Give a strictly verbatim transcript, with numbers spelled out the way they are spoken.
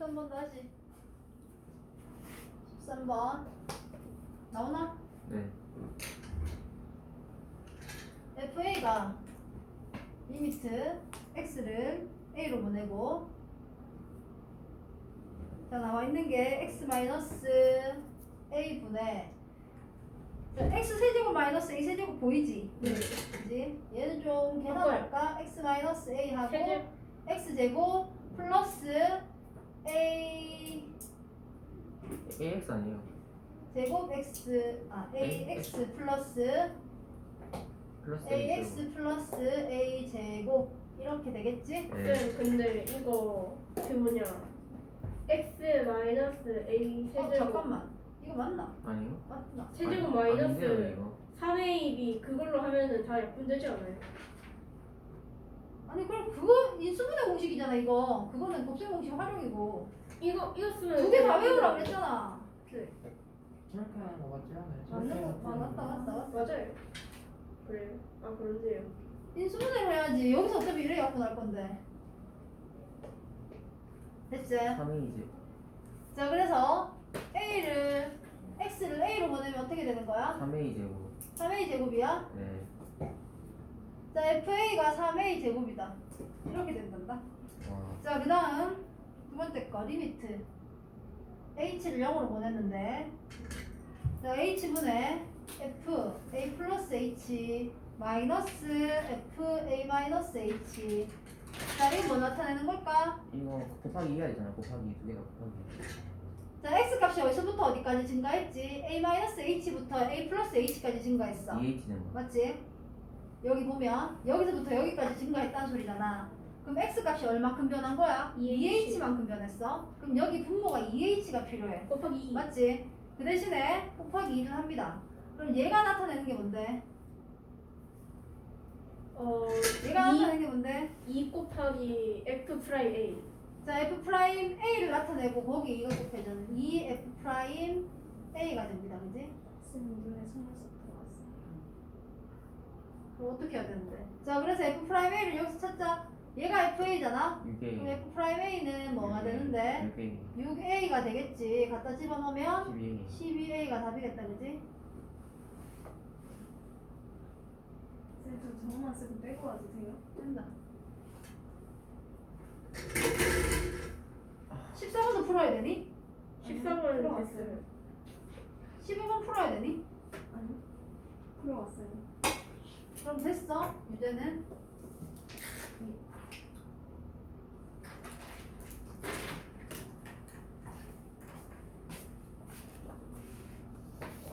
십삼 번 다시. 십삼 번 나오나? 네. 에프에이가 리미트 x를 a로 보내고 자 나와 있는 게 x 마이너스 a 분의 자, x 세제곱 마이너스 a 세제곱 보이지? 네. 그지? 얘는 좀 계산할까? x 마이너스 a 하고 세제- x 제곱 플러스 a 에이엑스 아니에요? 제곱 x 아 ax 플러스 플러스 ax 플러스 a 제곱 이렇게 되겠지? 네. 네, 근데 이거 그 뭐냐 x 마이너스 a 어 세제곱 잠깐만 이거 맞나? 아니요? 맞나? 세제곱 아니, 아닌데요, 마이너스 이거. 삼 에이 비 그걸로 하면은 다 약분되지 않아요? 아니 그럼 그거 인수분해 공식이잖아 이거 그거는 곱셈 공식 활용이고 이거 이거 쓰면 두 개 다 외우라 그랬잖아 네, 저렇게 하는 거 같지 않아요? 맞는 거 아, 맞다 맞다 맞다 맞아요. 그래요? 아 그런데요. 인수분해를 해야지 여기서 어차피 이래 갖고 날 건데 됐지? 삼 에이지. 자 그래서 a를 x를 a로 보내면 어떻게 되는 거야? 삼 에이 제곱. 삼 에이 제곱이야? 네. 자 에프에이가 삼 에이 제곱이다 이렇게 된단다 와. 자 그 다음 두 번째 거 리미트 h를 영으로 보냈는데 자 h분의 f a 플러스 h 마이너스 f a 마이너스 h 자 이거 뭐 나타내는 걸까? 이거 곱하기 해야 되잖아. 곱하기 두 개가 곱하기. 자 x 값이 어디서부터 어디까지 증가했지? a 마이너스 h부터 a 플러스 h까지 증가했어 이에이치 된 거. 맞지? 여기 보면 여기서부터 여기까지 증가했다는 소리잖아. 그럼 x 값이 얼마큼 변한 거야? 이에이치. 이에이치만큼 변했어. 그럼 여기 분모가 이에이치가 필요해. 곱하기 이. 맞지? 그 대신에 곱하기 이를 합니다. 그럼 얘가 나타내는 게 뭔데? 어 얘가 이, 나타내는 게 뭔데? 이 곱하기 f 프라임 a. 자 f 프라임 a를 나타내고 거기 이거 곱해주는 이 f 프라임 a가 됩니다. 그지? 쌤 눈에 속눈썹 들어갔어요. 그럼 어떻게 해야 되는데? 자 그래서 f 프라임 a를 여기서 찾자. 얘가 에프에이잖아. 육 에이. 그럼 f 프라임 a는 뭐가 되는데? 육 에이. 육 에이가 되겠지. 갖다 집어넣으면 십이 에이. 십이 에이가 답이겠다, 그지? 쌤, 저 저것만 쓰고 빼고 와도 돼요? 된다. 십사 번도 풀어야 되니? 십사 번 들어갔어요. 됐어요. 십이 번 풀어야 되니? 아니요. 풀어왔어요. 그럼 됐어, 유제는.